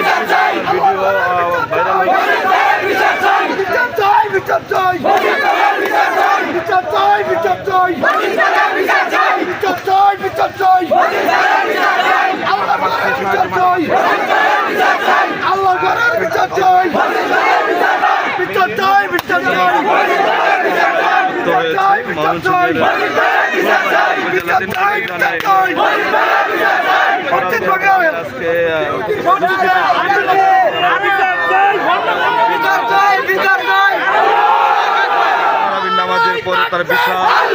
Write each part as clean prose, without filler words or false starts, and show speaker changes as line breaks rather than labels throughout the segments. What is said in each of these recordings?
নামাজের পরে তার বিশাল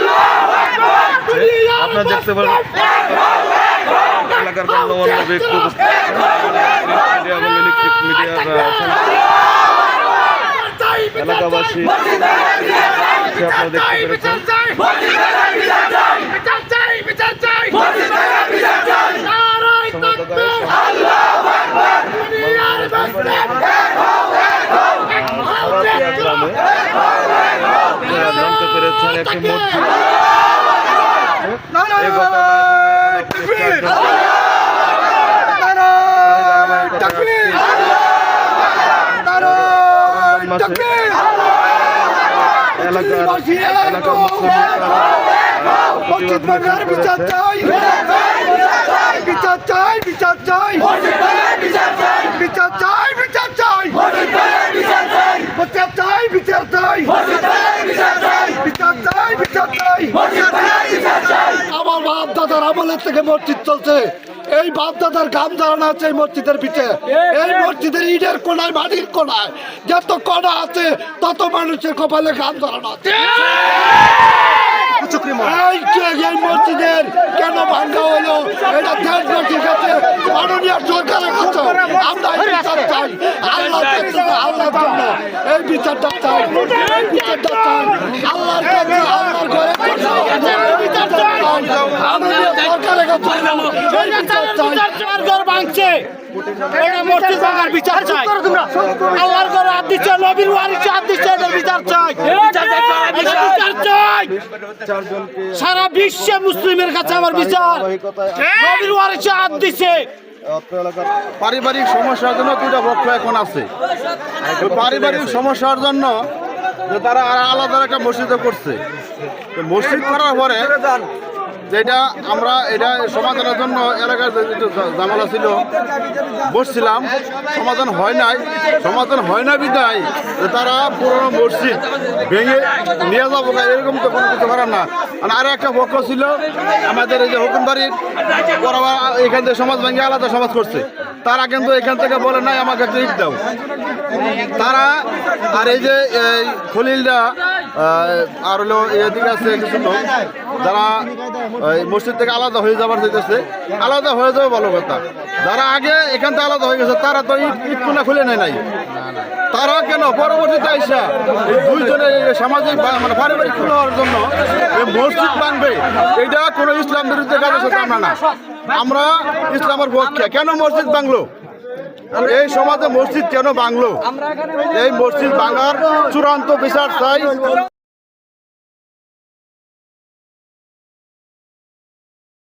আপনারা দেখতে পারেন এলাকার গণ্যমান্য ব্যক্তি এবং ইলেকট্রিক মিডিয়ার এলাকাবাসী আপনারা দেখতে পেরেছেন। জানতে পেরেছেন একটি মসজিদ
আমার বাপ দাদার আমলের থেকে মসজিদ চলছে। এই বাপ দাদার গাম ধারণা আছে এই মসজিদের পিঠে। এই মসজিদের ইটের কোনায় মাটির কোনায় যত কণা আছে তত মানুষের কপালে গাম ধারণা আছে। এই মসজিদের কেন ভাঙ্গা হলো এটা দেশবাসীর কাছে মাননীয় সরকারের কাছে আমরা এই বিচার চাই। আল্লাহর জন্য এই বিচারটা চাই, এই বিচারটা চাই আল্লাহর কাছে, আল্লাহর ঘরে মাননীয় সরকারের কাছে এই বিচার চাই।
ভাঙছে মসজিদ ভাঙার বিচার চাই। আল্লাহর ঘরে হাত দিচ্ছে, নবীর ওয়ারিসে হাত দিচ্ছে, এদের বিচার চাই, বিচার চাই। সারা বিশ্বে মুসলিমের কাছে আমার বিচার। নবীর ওয়ারিসে হাত দিচ্ছে।
পারিবারিক সমস্যার জন্য দুইটা পক্ষ এখন আছে। পারিবারিক সমস্যার জন্য যে তারা আলাদা একটা মসজিদে করছে, মসজিদ করার পরে যেটা আমরা এটা সমাধানের জন্য এলাকার ঝামেলা ছিল বসছিলাম, সমাধান হয় না বিদায় যে তারা পুরোনো মসজিদ ভেঙে নিয়ে যাবো এরকম তো কোনো কিছু করার না। আর একটা পক্ষ ছিল আমাদের এই যে হুকুমবাড়ির পড়াবা এখান থেকে সমাজ ভেঙে আলাদা সমাজ করছে, তারা কিন্তু এখান থেকে বলে নাই আমাকে একটা ইট দাও তারা। আর এই যে খলিলরা আর হলো এদিকে আছে কিছু লোক যারা মসজিদ থেকে আলাদা হয়ে যাবার চাইতেছে, আলাদা হয়ে যাবে ভালো কথা। যারা আগে এখান থেকে আলাদা হয়ে গেছে তারা তো ইট কোনা খুলে নেয় নাই, তারা কেন পরবর্তীতে আইসা এই দুইজনের সামাজিক মানে পারিবারিক হওয়ার জন্য মসজিদ ভাঙবে? এইটা কোনো ইসলাম বিরুদ্ধে কাজের সাথে আমরা না, আমরা ইসলামের পক্ষে। কেন মসজিদ ভাঙলো? এই সমাজে মসজিদ কেন ভাঙলো? এই মসজিদ ভাঙার চূড়ান্ত বিচার চাই।